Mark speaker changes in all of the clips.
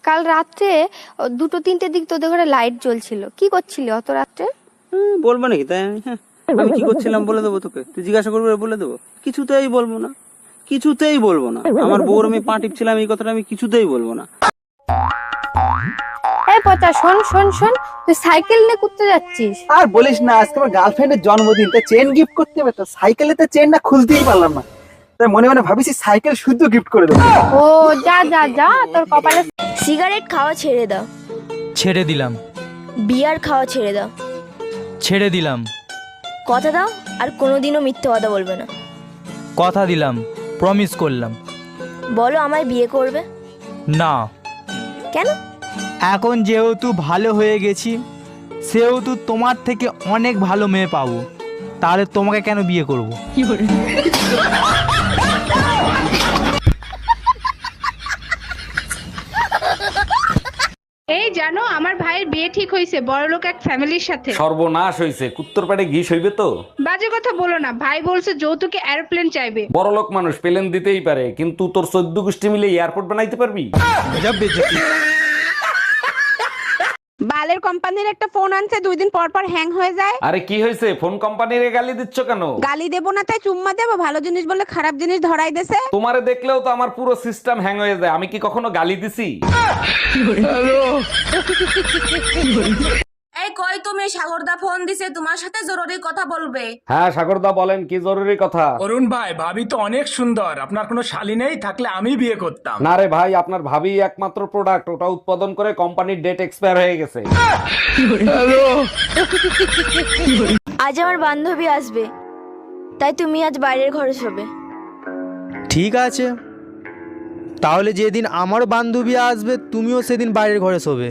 Speaker 1: কাল রাত্রে 2-3টের দিক তোদের ঘরে লাইট জ্বলছিল, কি করছিলি অত রাত্রে?
Speaker 2: বলবো নাকি তাই? আমি কি করছিলাম বলে দেবো তোকে? তুই জিজ্ঞাসা করবি বলে দেবো? কিছুতেই বলবো না, কিছুতেই বলবো না। আমার বউর আমি পা টিপছিলাম, এই কথাটা আমি কিছুতেই বলবো না।
Speaker 1: এই পচা, শোন শোন শোন, তুই সাইকেল নিয়ে ঘুরতে যাচ্ছিস?
Speaker 3: আর বলিস না, আজকে আমার গার্লফ্রেন্ডের জন্মদিন, তা চেন গিফট করতে হবে, তো সাইকেলে তো চেন না খুলতেই পারলাম না, তাই মনে মনে ভাবিছি সাইকেল শুদ্ধ গিফট করে দেবো।
Speaker 1: ও যা যা যা, তোর কপালে।
Speaker 4: সিগারেট খাওয়া ছেড়ে দাও।
Speaker 5: ছেড়ে দিলাম।
Speaker 4: বিয়ার খাওয়া ছেড়ে দাও।
Speaker 5: ছেড়ে দিলাম।
Speaker 4: কথা দাও আর কোনোদিনও মিথ্যে কথা বলবে না।
Speaker 5: কথা দিলাম, প্রমিস করলাম।
Speaker 4: বলো আমায় বিয়ে করবে?
Speaker 5: না।
Speaker 4: কেন?
Speaker 5: এখন যেহেতু ভালো হয়ে গেছি, সেহেতু তোমার থেকে অনেক ভালো মেয়ে পাবো, তাহলে তোমাকে কেন বিয়ে করব?
Speaker 6: এই জানো, আমার ভাইয়ের বিয়ে ঠিক হয়েছে বড়লোক এক ফ্যামিলির সাথে।
Speaker 7: সর্বনাশ হইছে, কুত্তর পেটে ঘি হইবে তো।
Speaker 6: বাজে কথা বলো না, ভাই বলছে যৌতুকে এরোপ্লেন চাইবে।
Speaker 7: বড়লোক মানুষ প্লেন দিতেই পারে, কিন্তু তোর 14 গোষ্ঠী মিলে এয়ারপোর্ট বানাইতে পারবি?
Speaker 6: বালের কোম্পানির একটা ফোন আনছে, 2 দিন পর পর হ্যাং হয়ে যায়।
Speaker 7: আরে কি হয়েছে, ফোন কোম্পানিরে গালি দিচ্ছ কেন?
Speaker 6: গালি দেবো না তাই চুম্মা দেবো? ভালো জিনিস বলে খারাপ জিনিস ধরাই দেছে।
Speaker 7: তোমারে দেখলেও তো আমার পুরো সিস্টেম হ্যাং হয়ে যায়। আমি কি কখনো গালি দিছি?
Speaker 8: এই কই তুমি? সাগরদা ফোন দিছে, তোমার সাথে জরুরি কথা বলবে।
Speaker 7: হ্যাঁ সাগরদা বলেন, কি জরুরি কথা?
Speaker 9: অরুণ ভাই, ভাবি তো অনেক সুন্দর, আপনার কোনো শালী নেই? থাকলে আমি বিয়ে করতাম।
Speaker 7: না রে ভাই, আপনার ভাবি একমাত্র প্রোডাক্ট, ওটা উৎপাদন করে কোম্পানির ডেট এক্সপায়ার হয়ে গেছে।
Speaker 4: আজ আমার বান্ধবী আসবে, তাই তুমি আজ বাইরের ঘরে শোবে।
Speaker 5: ঠিক আছে, তাহলে যেদিন আমার বান্ধবী আসবে তুমিও সেদিন বাইরের ঘরে শোবে।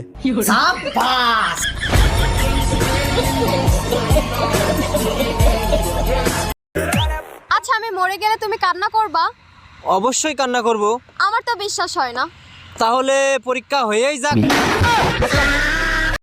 Speaker 10: আচ্ছা, আমি মরে গেলে তুমি কান্না করবা?
Speaker 5: অবশ্যই কান্না করব।
Speaker 10: আমার তো বিশ্বাস হয় না।
Speaker 5: তাহলে পরীক্ষা হয়েই যাক।